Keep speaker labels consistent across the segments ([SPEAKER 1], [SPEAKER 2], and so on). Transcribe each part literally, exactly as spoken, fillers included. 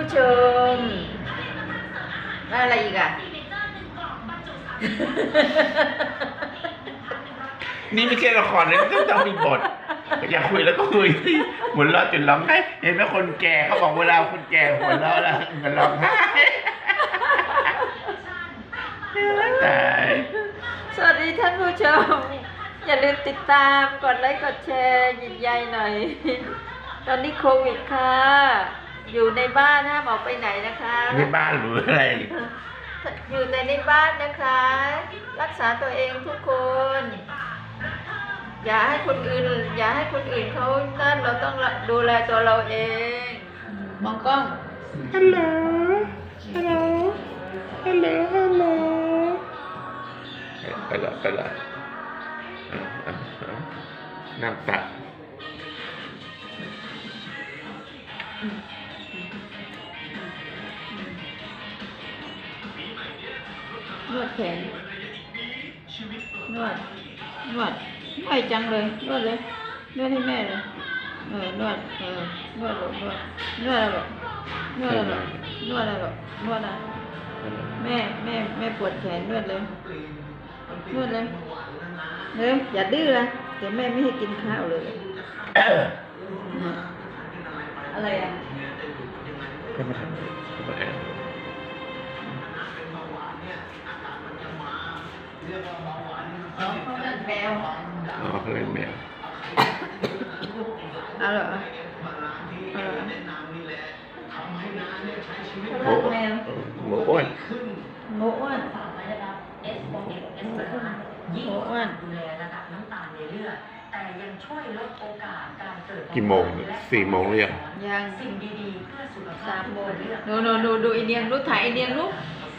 [SPEAKER 1] ชมแล้วอะไรอีกอ่ะ
[SPEAKER 2] นี่ไม่ใช่ละครนะต้องต้องมีบทอยากคุยแล้วก็คุยหัวเราะจนร้องไห้เห็นไหมคนแก่เขาบอกเวลาคนแก่หัวเราะแล้วมันร้องไห้ตาย
[SPEAKER 1] สวัสดีท่านผู้ชม อย่าลืมติดตามกดไลค์กดแชร์ยินใยหน่อย ตอนนี้โควิดค่ะ อยู่ในบ้านห้ามออกไปไหนนะคะ
[SPEAKER 2] ในบ้านหรืออะไร
[SPEAKER 1] อยู่แต่ในบ้านนะคะ รักษาตัวเองทุกคน อย่าให้คนอื่น อย่าให้คนอื่นเขานั่นเราต้องดูแลตัวเราเอง มองกล้อง
[SPEAKER 2] ฮัลโหลฮัลโหลฮัลโหลฮัลโหลไปละไปละน้ำตาน
[SPEAKER 1] วดแขนนวดนวดไม่จังเลยนวดเลยนวดให้แม่เลยเออนวดเออนวดหรอนวดนวดอะไรหรอนวดอะไรหรอนวดอะไรหรอนวดอะไรแม่แม่แม่ปวดแขนนวดเลยนวดเลยเร็วอย่าดื้อนะเดี๋ยวแม่ไม่ให้กินข้าวเลยอะไรอ่ะ
[SPEAKER 2] ก็มาทำก็มาแอบ
[SPEAKER 1] อ๋อเขาเล่นแมว
[SPEAKER 2] อ๋อเขาเล่นแมว
[SPEAKER 1] เอาเหรอเอาเหรอ
[SPEAKER 2] โอ้แมวหมูอ้วน
[SPEAKER 1] หมูอ้วนหมูอ้วน
[SPEAKER 3] ดูแลระดับน้ำตาลในเลือดแต่ยังช่วยลดโอกาสการเกิด
[SPEAKER 2] กี่โมงสี่โมงหรือยัง
[SPEAKER 1] ยัง
[SPEAKER 3] สิ่งดีๆเพื่อสุขภา
[SPEAKER 1] สา
[SPEAKER 3] พ
[SPEAKER 1] มโมงดูดูดูดูไอเนียงลูกถ่ายไอเนียงลูก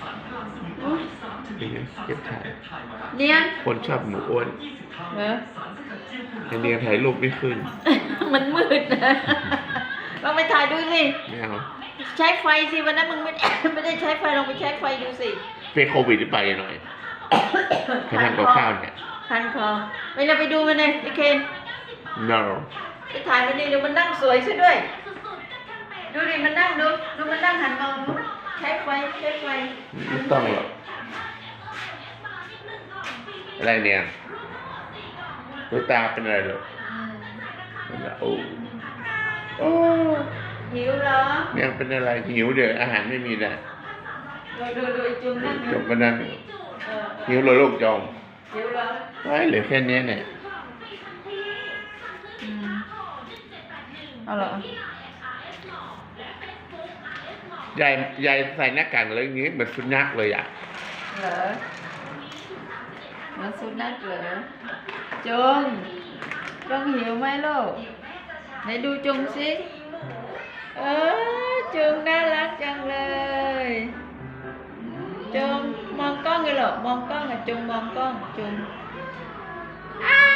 [SPEAKER 2] นี่เก็บถ่าย
[SPEAKER 1] เนียง
[SPEAKER 2] คนชอบหมูอ้วน
[SPEAKER 1] เหรอ
[SPEAKER 2] ไอเนียถ่ายรูปไม่ขึ้น
[SPEAKER 1] มันมืดนะลองไปถ่ายดูสิ
[SPEAKER 2] ไม่เอา
[SPEAKER 1] ใช้ไฟสิวันนั้นมึงไม่ ไม่ได้ใช้ไฟลองไปใช้ไฟดูสิ
[SPEAKER 2] เป็นโควิดหรือเปล่าหน่อยไปทำกับข้าวเนี่ย
[SPEAKER 1] คันคอไปเราไปดูมันเลยไอเคน
[SPEAKER 2] no
[SPEAKER 1] ไปถ่ายมันดิดูมันนั่งสวยซะด้วย ดูดิมันนั่งดูดูมันนั่งหันมองดูใช้ไฟใช้ไฟ
[SPEAKER 2] ไม่ต้องหรอกอะไรเนี่ยตัวตาเป็นอะไรหรอโอ้โอ้
[SPEAKER 1] หิวเหรอ
[SPEAKER 2] เนี่ยเป็นอะไรหิวเดี๋ยวอาหารไม่มีนะ
[SPEAKER 1] ดูดูดูไอจุงนั่ง
[SPEAKER 2] จบก็นั่ง
[SPEAKER 1] เออ
[SPEAKER 2] หิวเลยลูกจอง
[SPEAKER 1] หิวเหรอ
[SPEAKER 2] ไว้เหลือแค่นี้เนี่ย
[SPEAKER 1] อืมเอาเหรอย
[SPEAKER 2] ายยายใส่หน้ากากอะไรอย่างงี้เหมือนสุนัขเลยอ่ะ
[SPEAKER 1] เหรอเหมือนสุนัขเหรอจงจงหิวไหมลูกไหนดูจงสิเออจงน่ารักจังเลยจงมองกล้องเลยเหรอมองกล้องอะจงมองกล้องจงอ้าว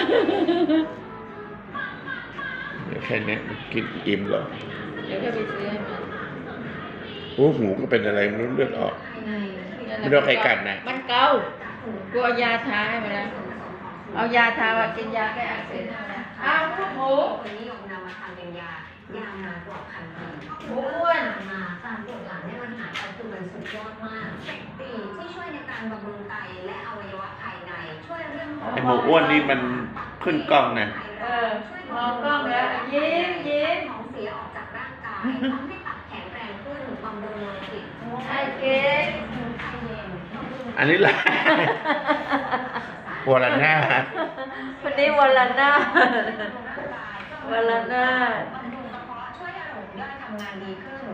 [SPEAKER 2] เหลือแค่นี้มันกินอิ่มเหรอ
[SPEAKER 1] เดี๋ยวก็ไปซื้อให้มัน
[SPEAKER 2] โอ้หูก็เป็นอะไรไม่รู้เลือดออก
[SPEAKER 1] อืมนั่นแหละ
[SPEAKER 2] ไม่โดนใครกัดนะ
[SPEAKER 1] มันเกากูเอายาทาให้มันแล้วเอายาทาว่ากินยาแก้อักเสบให้มันแล้วอ้าวลูกหมู
[SPEAKER 3] คนนิยมนำมาทำเป็นยายาวนานกว่าพันปี
[SPEAKER 1] หมูอ้วน
[SPEAKER 3] มาการปวดหลังเนี่ยมันหายไปคือมันสุดยอดมากปีที่ช่วยในการบำรุงไตและอวัยวะภายในช่วยเรื่อง
[SPEAKER 2] ไอหมูอ้วนนี่มันขึ้นกล้องนะ
[SPEAKER 1] เออมองกล้องแล้วยิ้มยิ้ม
[SPEAKER 3] ของเสียออกจากร่างกายทำให้ตับแข็งแรงขึ้นบำรุงโลหิต
[SPEAKER 1] ไอ้เก๊ก
[SPEAKER 3] ไตเย็น
[SPEAKER 2] อันนี้แหละ วอลน่า
[SPEAKER 1] คนนี้วันละหน้าวันละหน้า
[SPEAKER 3] ช่วยให้ระบบย่อยทำงานดีขึ้น